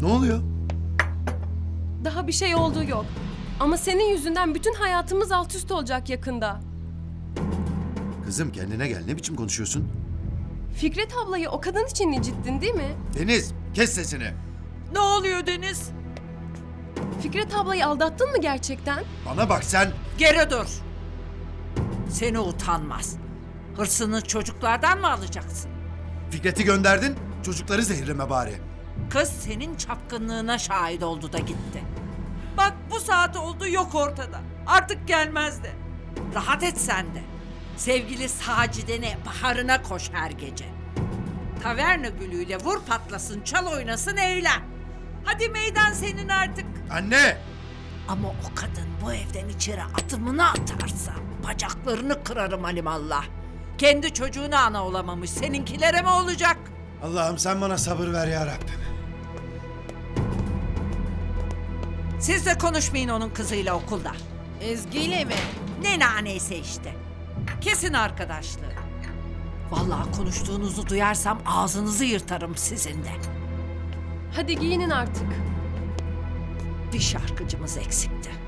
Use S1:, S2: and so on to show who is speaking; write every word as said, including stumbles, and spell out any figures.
S1: Ne oluyor?
S2: Daha bir şey olduğu yok. Ama senin yüzünden bütün hayatımız alt üst olacak yakında.
S1: Kızım kendine gel. Ne biçim konuşuyorsun?
S2: Fikret ablayı o kadın için incittin değil mi?
S1: Deniz kes sesini.
S3: Ne oluyor Deniz?
S2: Fikret ablayı aldattın mı gerçekten?
S1: Bana bak sen.
S3: Geri dur. Seni utanmaz. Hırsını çocuklardan mı alacaksın?
S1: Fikret'i gönderdin. Çocukları zehirleme bari.
S3: Kız senin çapkınlığına şahit oldu da gitti. Bak bu saat oldu yok ortada. Artık gelmez de. Rahat et sen de. Sevgili Sacide'ne, baharına koş her gece. Taverna gülüyle vur patlasın, çal oynasın, eğlen. Hadi meydan senin artık.
S1: Anne!
S3: Ama o kadın bu evden içeri atımını atarsa bacaklarını kırarım halimallah. Kendi çocuğuna ana olamamış, seninkilere mi olacak?
S1: Allah'ım sen bana sabır ver ya Rabbim.
S3: Siz de konuşmayın onun kızıyla okulda.
S4: Ezgi'yle mi?
S3: Ne naneyse işte. Kesin arkadaşlığı. Vallahi konuştuğunuzu duyarsam ağzınızı yırtarım sizin de.
S2: Hadi giyinin artık.
S3: Bir şarkıcımız eksikti.